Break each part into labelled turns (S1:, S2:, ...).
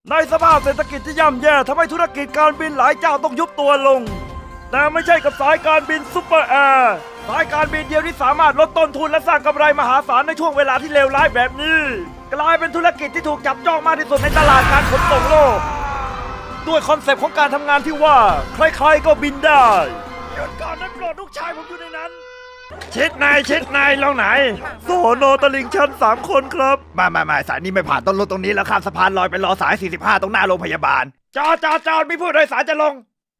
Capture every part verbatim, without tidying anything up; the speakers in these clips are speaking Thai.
S1: ในสภาพเศรษฐกิจที่ย่ำแย่ทำให้ธุรกิจการบินหลายเจ้าต้องยุบตัวลงแต่ไม่ใช่กับสายการบินซุปเปอร์แอร์สายการบินเดียวที่สามารถลดต้นทุนและสร้างกำไรมหาศาลในช่วงเวลาที่เลวร้ายแบบนี้กลายเป็นธุรกิจที่ถูกจับจ้องมากที่สุดในตลาดการขนส่งโลกด้วยคอนเซปต์ของการทำงานที่ว่าใครๆก็บินได้หยุดก่อนนั้นโปรดลูกชายผมอยู่ในนั้นชิดนายชิดนายลงไหนโซโนตลิงชันสามคนครับมามามาสายนี้ไม่ผ่านต้นรถตรงนี้แล้วข้ามสะพานลอยไปรอสายสี่สิบห้าตรงหน้าโรงพยาบาลจอดจอดจอดมีผู้โดยสารจะลง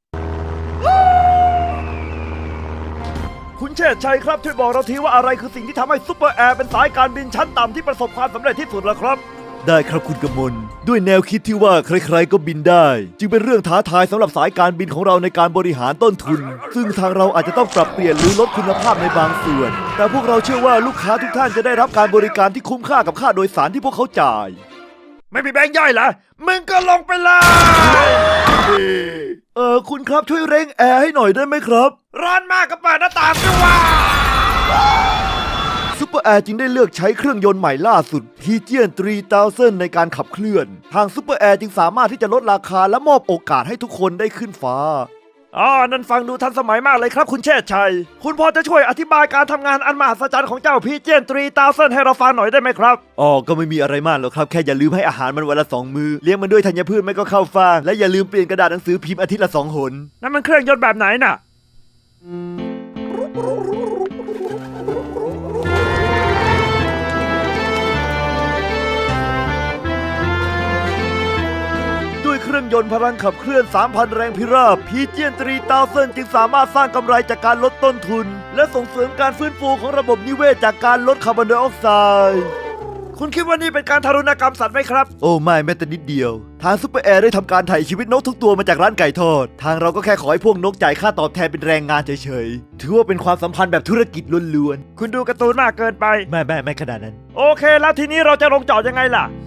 S1: คุณเชษชัยครับช่วยบอกเราทีว่าอะไรคือสิ่งที่ทำให้ซุปเปอร์แอร์เป็นสายการบินชั้นต่ำที่ประสบความสำเร็จที่สุดล่ะครับได้ครับคุณกมลด้วยแนวคิดที่ว่าใครๆก็บินได้จึงเป็นเรื่องท้าทายสำหรับสายการบินของเราในการบริหารต้นทุนซึ่งทางเราอาจจะต้องปรับเปลี่ยนหรือลดคุณภาพในบางส่วนแต่พวกเราเชื่อว่าลูกค้าทุกท่านจะได้รับการบริการที่คุ้มค่ากับค่าโดยสารที่พวกเขาจ่ายไม่มีแบงค์ย่อยเหรอมึงก็ลงไปเลยเออคุณครับช่วยเร่งแอร์ให้หน่อยได้ไหมครับร้อนมากก็เปิดหน้าต่างด้วยว่าซุปเปอร์แอร์จึงได้เลือกใช้เครื่องยนต์ใหม่ล่าสุด พี จี สามพัน ในการขับเคลื่อนทางซุปเปอร์แอร์จึงสามารถที่จะลดราคาและมอบโอกาสให้ทุกคนได้ขึ้นฟ้าอ๋อนั่นฟังดูทันสมัยมากเลยครับคุณเชษชัยคุณพอจะช่วยอธิบายการทำงานอันมหัศจรรย์ของเจ้า พี จี สามพัน ให้เราฟังหน่อยได้ไหมครับอ๋อก็ไม่มีอะไรมากหรอกครับแค่อย่าลืมให้อาหารมันวันละสองมื้อเลี้ยงมันด้วยธัญพืชไม่ก็ข้าวฟ่างและอย่าลืมเปลี่ยนกระดาษหนังสือพิมพ์อาทิตย์ละสองหนนั่นมันเครื่องยนต์แบบไหนน่ะเครื่องยนต์พลังขับเคลื่อน สามพัน แรงพิราบ พี จี สามพัน จึงสามารถสร้างกำไรจากการลดต้นทุนและส่งเสริมการฟื้นฟูของระบบนิเวศจากการลดคาร์บอนไดออกไซด์คุณคิดว่านี่เป็นการทารุณกรรมสัตว์ไหมครับโอ้ไม่แม้แต่นิดเดียวทางซุปเปอร์แอร์ได้ทำการถ่ายชีวิตนกทุกตัวมาจากร้านไก่ทอดทางเราก็แค่ขอให้พวกนกจ่ายค่าตอบแทนเป็นแรงงานเฉยๆถือว่าเป็นความสัมพันธ์แบบธุรกิจล้วนๆคุณดูการ์ตูนมากเกินไปไม่ไม่ไม่ขนาดนั้นโอเคแล้วทีนี้เราจะลงจอดยังไงล่ะ